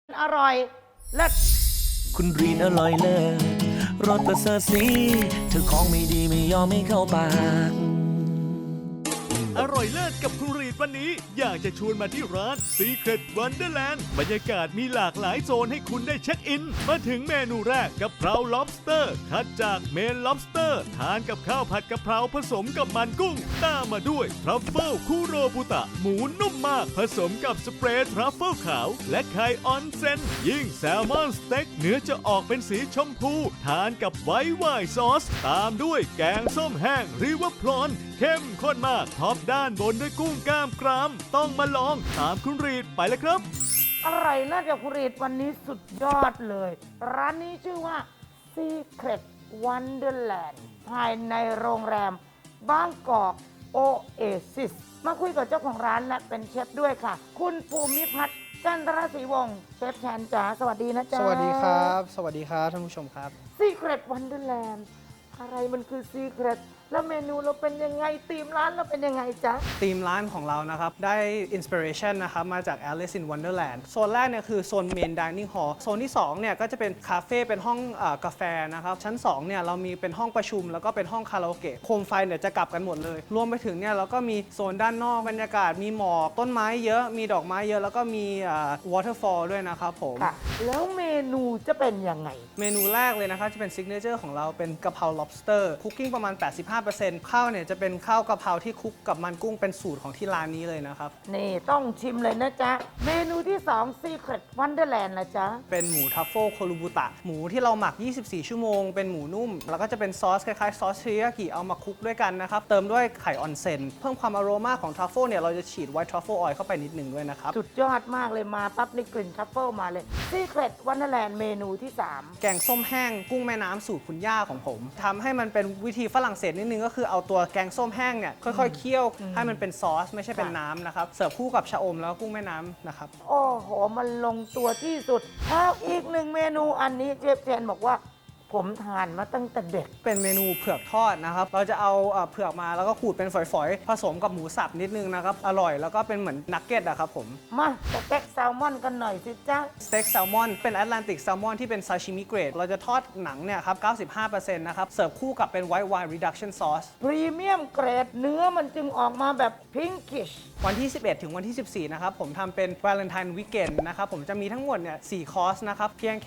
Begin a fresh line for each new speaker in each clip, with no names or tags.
อร่อยเลิศ
คุณรีนอร่อยเลิศรสประเสริฐสีเธอของไม่ดีไม่ยอมไม่เข้าปาก
อร่อยเลิศกับคุณรีดวันนี้อยากจะชวนมาที่ร้าน Secret Wonderland บรรยากาศมีหลากหลายโซนให้คุณได้เช็คอิน มาถึงเมนูแรกกะเพรา lobster คัดจากเมน lobster ทานกับข้าวผัดกะเพราผสมกับมันกุ้งตามมาด้วยทรัฟเฟิลคูโรบุตะหมูนุ่มมากผสมกับสเปรย์ทรัฟเฟิลขาวและไข่ออนเซนยิ่งแซลมอนสเต็กเนื้อจะออกเป็นสีชมพูทานกับไวท์ไวน์ซอสตามด้วยแกงส้มแห้งริเวอร์พรอนเข้มข้นมากท็อปด้านบนด้วยกุ้งกล้ามกรามต้องมาลองตามคุณรีดไปเลยครับ
อร่อยเลิศกับคุณรีดวันนี้สุดยอดเลย ร้านนี้ชื่อว่า Secret Wonderland ภายในโรงแรมบางกอกโอเอซิสมาคุยกับเจ้าของร้านและเป็นเชฟด้วยค่ะ คุณภูมิพัฒน์จันทรศรีวงศ์เชฟแทนจ๋าสวัสดีนะจ๊ะ
สวัสดีครับ สวัสดีครับท่านผู้ชมครับ
Secret Wonderland อะไรมันคือ Secret แล้วเมนูเราเป็นยังไงธีมร้านเราเป็นยังไงจ๊ะ
ธีมร้านของเรานะครับ ได้อินสปิเรชันนะครับมาจาก Alice in Wonderland โซนแรกเนี่ยคือโซน Main Dining Hall โซนที่2เนี่ยก็จะเป็นคาเฟ่เป็นห้องกาแฟนะครับชั้น2เนี่ยเรามีเป็นห้องประชุมแล้วก็เป็นห้องคาราโอเกะโคมไฟเนี่ยจะกลับกันหมดเลย รวมไปถึงเนี่ยเราก็มีโซนด้านนอกบรรยากาศมีหมอกต้นไม้เยอะมีดอกไม้เยอะแล้วก็มีwaterfall ด้วยนะครับผม
ค่ะ แล้วเมนูจะเป็นยังไง
เมนูแรกเลยนะครับจะเป็นซิกเนเจอร์ของเราเป็นกะเพรา lobster คุกกิ้งประมาณ 85%ข้าวเนี่ยจะเป็นข้าวกะเพราที่คลุกกับมันกุ้งเป็นสูตรของที่ร้านนี้เลยนะครับ
นี่ต้องชิมเลยนะจ๊ะ เมนูที่ 2 Secret Wonderland นะจ๊ะ
เป็นหมูทัฟเฟิลโคลูบุตะหมูที่เราหมัก 24 ชั่วโมง เป็นหมูนุ่ม แล้วก็จะเป็นซอสคล้ายๆซอสเทริยากิเอามาคลุกด้วยกันนะครับ เติมด้วยไข่ออนเซนเพิ่มความอโรมาของทัฟเฟิลเนี่ยเราจะฉีดไวท์ทัฟเฟิลออยล์เข้าไปนิดหนึ่งด้วยนะครับ
สุดยอดมากเลยมาปั๊บนี่กลิ่นทรัฟเฟิลมาเลย Secret Wonderland เมนูที่
แกงส้มแห้งกุ้งแม่น้ำสูตรคุณย่าของผมทำให้มันเป็นวิธีฝรั่งเศสนิดนึงก็คือเอาตัวแกงส้มแห้งเนี่ยค่อยๆเคี่ยวให้มันเป็นซอสไม่ใช่เป็นน้ำนะครับเสิร์ฟคู่กับชะอมแล้วก็กุ้งแม่น้ำนะครับ
3 โอ้โห มันลงตัวที่สุดแล้วอีกหนึ่งเมนูอันนี้เชฟแทนบอกว่าผมทานมาตั้งแต่เด็ก
เป็นเมนูเผือกทอดนะครับ เราจะเอาเผือกมาแล้วก็ขูดเป็นฝอยๆ ผสมกับหมูสับนิดนึงนะครับ อร่อยแล้วก็เป็นเหมือนนักเก็ตอะครับผม
มาสเต็กแซลมอนกันหน่อยสิจ๊ะ
สเต็กแซลมอนเป็นแอตแลนติกแซลมอนที่เป็นซาชิมิเกรด เราจะทอดหนังเนี่ยครับ 95% นะครับ เสิร์ฟคู่กับเป็นไวท์ไวน์รีดักชั่นซอส
พรีเมียมเกรดเนื้อมันจึงออกมาแบบพิงกิช
วันที่ 11 ถึงวันที่ 14 นะครับ ผมทำเป็น Valentine Weekend นะครับ ผมจะมีทั้งหมดเนี่ย4คอร์สนะครับ เพียงแค่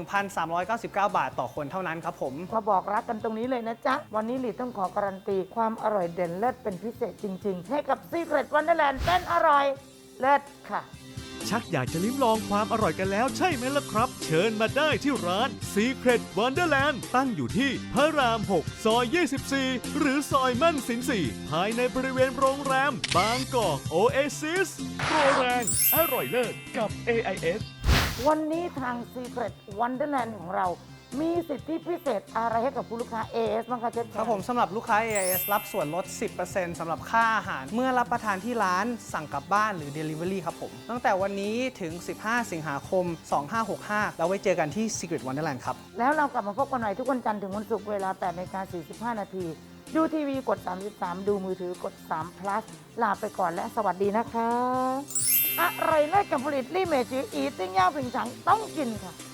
1,399 บาทต่อคนเท่านั้นครับผม
มาบอกรักกันตรงนี้เลยนะจ๊ะ วันนี้หลีต้องขอการันตีความอร่อยเด่นเลิศเป็นพิเศษจริง ๆ ให้กับ Secret Wonderland เป็นอร่อยเลิศค่ะ
ชักอยากจะลิ้มลองความอร่อยกันแล้วใช่ไหมล่ะครับ เชิญมาได้ที่ร้าน Secret Wonderland ตั้งอยู่ที่พระราม 6 ซอย 24 หรือซอยมั่นสิน 4 ภายในบริเวณโรงแรมบางกอกโอเอซิสโปรแรงอร่อยเลิศกับ AIS
วันนี้ทาง Secret Wonderland ของเรา มีสิทธิพิเศษอะไรให้กับผู้ลูกค้า AS บ้างคะเชฟ
ครับผมสำหรับลูกค้า AIS รับส่วนลด 10% สำหรับค่าอาหาร เมื่อรับประทานที่ร้านสั่งกลับบ้านหรือ Delivery ครับผม ตั้งแต่วันนี้ถึง 15 สิงหาคม 2565 แล้วไว้เจอกันที่ Secret Wonderland ครับ
แล้วเรากลับมาพบกันใหม่ทุกวันจันทร์ถึงวันศุกร์เวลา 8:45 นาที ดูทีวีกด 33 ดูมือถือกด3 plus ลาไปก่อนและสวัสดีนะคะ อร่อยเลิศกับผลิตลี่เมจืออีติ้งย่าผิงฉังต้องกินค่ะ